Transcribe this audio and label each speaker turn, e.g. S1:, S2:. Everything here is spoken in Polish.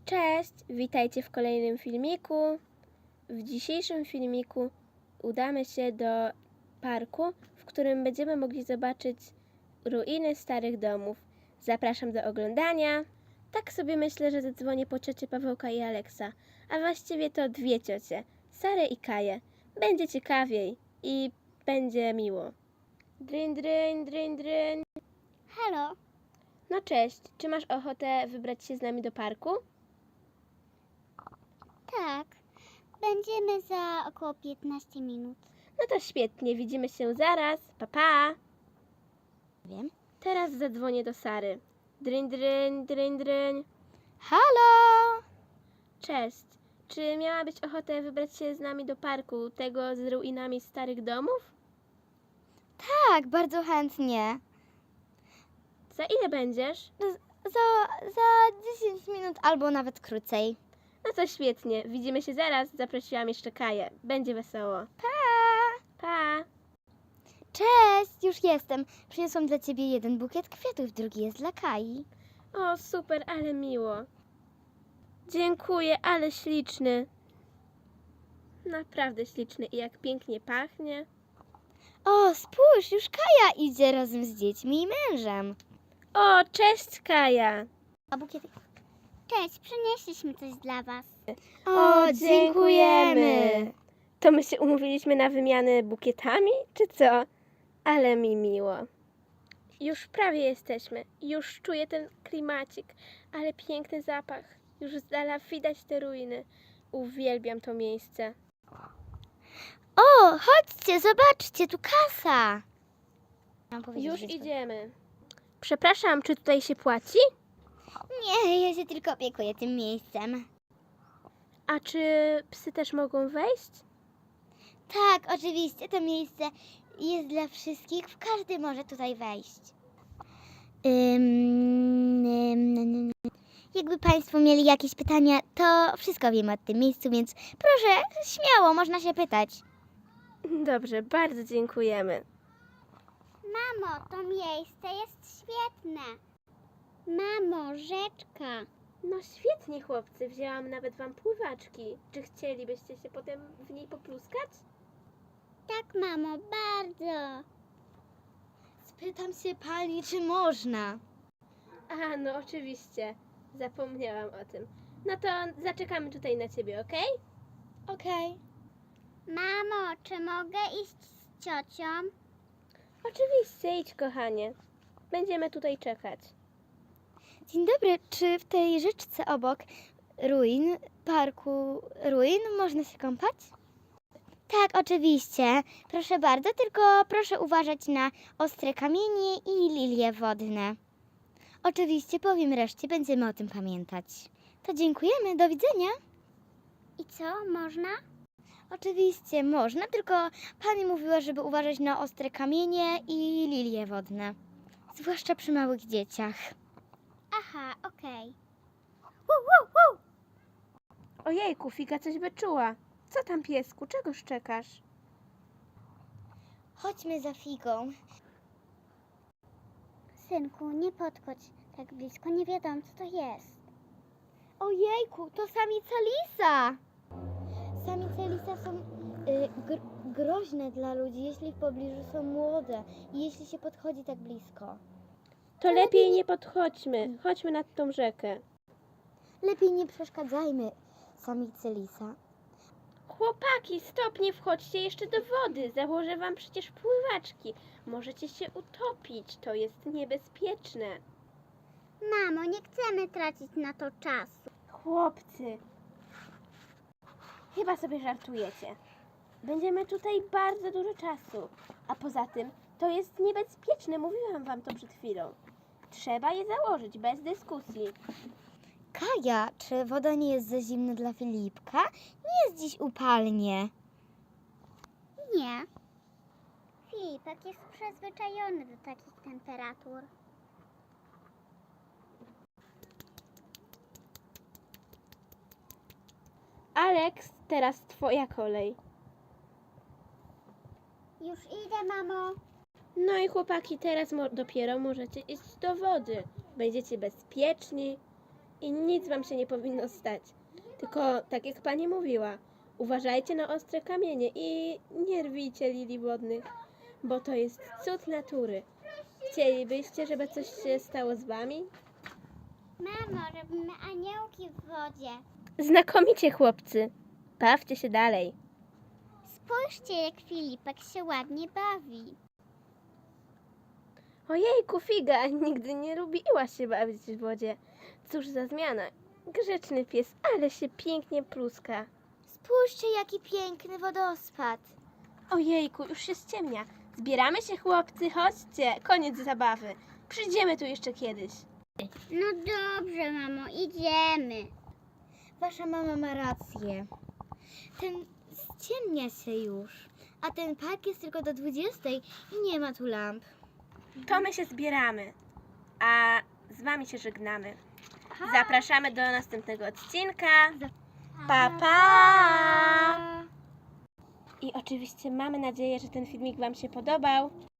S1: Cześć, witajcie w kolejnym filmiku. W dzisiejszym filmiku udamy się do parku, w którym będziemy mogli zobaczyć ruiny starych domów. Zapraszam do oglądania. Tak sobie myślę, że zadzwonię po ciocie Pawełka i Aleksa, a właściwie to dwie ciocie, Sarę i Kaję. Będzie ciekawiej i będzie miło. Dryń, dryń, dryń, dryń.
S2: Halo,
S1: No cześć, czy masz ochotę wybrać się z nami do parku?
S2: tak. Będziemy za około 15 minut.
S1: No to świetnie, widzimy się zaraz. Pa, pa.
S2: Wiem.
S1: Teraz zadzwonię do Sary. Dryń, dryń, dryń, dryń.
S2: Halo!
S1: Cześć. Czy miałabyś ochotę wybrać się z nami do parku, tego z ruinami starych domów?
S2: Tak, bardzo chętnie.
S1: Za ile będziesz?
S2: Za 10 minut albo nawet krócej.
S1: No to świetnie, widzimy się zaraz. Zaprosiłam jeszcze Kaję. Będzie wesoło.
S2: Pa!
S1: Pa.
S2: Cześć, już jestem. Przyniosłam dla ciebie jeden bukiet kwiatów, drugi jest dla Kai.
S1: O, super, ale miło. Dziękuję, ale śliczny. Naprawdę śliczny i jak pięknie pachnie.
S2: O, spójrz, już Kaja idzie razem z dziećmi i mężem.
S1: O, cześć Kaja.
S2: A bukiety? Cześć, przynieśliśmy coś dla was.
S1: O, dziękujemy. To my się umówiliśmy na wymianę bukietami, czy co? Ale mi miło. Już prawie jesteśmy. Już czuję ten klimacik, ale piękny zapach. Już z dala widać te ruiny. Uwielbiam to miejsce.
S2: O, chodźcie, zobaczcie, tu kasa. Mam powiedzieć,
S1: Już
S2: że
S1: idziemy. Przepraszam, czy tutaj się płaci?
S2: Nie, ja się tylko opiekuję tym miejscem.
S1: A czy psy też mogą wejść?
S2: Tak, oczywiście, to miejsce jest dla wszystkich. Każdy może tutaj wejść. Jakby Państwo mieli jakieś pytania, to wszystko wiem o tym miejscu, więc proszę, śmiało, można się pytać.
S1: Dobrze, bardzo dziękujemy.
S2: Mamo, to miejsce jest świetne. Mamo, rzeczka.
S1: No świetnie, chłopcy. Wzięłam nawet wam pływaczki. Czy chcielibyście się potem w niej popluskać?
S2: Tak, mamo, bardzo. Spytam się pani, czy można.
S1: A, no oczywiście. Zapomniałam o tym. No to zaczekamy tutaj na ciebie, okej?
S2: Okej. Mamo, czy mogę iść z ciocią?
S1: Oczywiście, idź kochanie. Będziemy tutaj czekać.
S2: Dzień dobry, czy w tej rzeczce obok parku ruin można się kąpać? Tak, oczywiście. Proszę bardzo, tylko proszę uważać na ostre kamienie i lilie wodne. Oczywiście, powiem reszcie, będziemy o tym pamiętać. To dziękujemy, do widzenia. I co, można? Oczywiście, można, tylko pani mówiła, żeby uważać na ostre kamienie i lilie wodne. Zwłaszcza przy małych dzieciach. Aha, okej.
S1: Ojejku, Figa coś wyczuła. Co tam, piesku? Czego szczekasz?
S2: Chodźmy za Figą. Synku, nie podchodź tak blisko, nie wiadomo co to jest. Ojejku, to samica lisa! Samice lisa są groźne dla ludzi, jeśli w pobliżu są młode i jeśli się podchodzi tak blisko.
S1: To lepiej nie podchodźmy. Chodźmy nad tą rzekę.
S2: Lepiej nie przeszkadzajmy samicy lisa.
S1: Chłopaki, stop, nie wchodźcie jeszcze do wody. Założę wam przecież pływaczki. Możecie się utopić. To jest niebezpieczne.
S2: Mamo, nie chcemy tracić na to czasu.
S1: Chłopcy, chyba sobie żartujecie. Będziemy tutaj bardzo dużo czasu. A poza tym, to jest niebezpieczne. Mówiłam wam to przed chwilą. Trzeba je założyć, bez dyskusji.
S2: Kaja, czy woda nie jest za zimna dla Filipka? Nie jest dziś upalnie. Nie. Filipek jest przyzwyczajony do takich temperatur.
S1: Aleks, teraz twoja kolej.
S2: Już idę, mamo.
S1: No i chłopaki, teraz dopiero możecie iść do wody. Będziecie bezpieczni. i nic wam się nie powinno stać. Tylko, tak jak pani mówiła, uważajcie na ostre kamienie i nie rwijcie lilii wodnych, bo to jest cud natury. Chcielibyście, żeby coś się stało z wami?
S2: Mamo, robimy aniołki w wodzie.
S1: Znakomicie, chłopcy. Bawcie się dalej.
S2: Spójrzcie, jak Filipek się ładnie bawi.
S1: Ojejku, Figa, nigdy nie lubiła się bawić w wodzie. Cóż za zmiana. Grzeczny pies, ale się pięknie pluska.
S2: Spójrzcie, jaki piękny wodospad.
S1: Ojejku, już się ściemnia. Zbieramy się, chłopcy, chodźcie. Koniec zabawy. Przyjdziemy tu jeszcze kiedyś.
S2: No dobrze, mamo, idziemy. Wasza mama ma rację. Ściemnia się już, a ten park jest tylko do 20 i nie ma tu lamp.
S1: To my się zbieramy, a z wami się żegnamy. Zapraszamy do następnego odcinka. Pa, pa! I oczywiście mamy nadzieję, że ten filmik wam się podobał.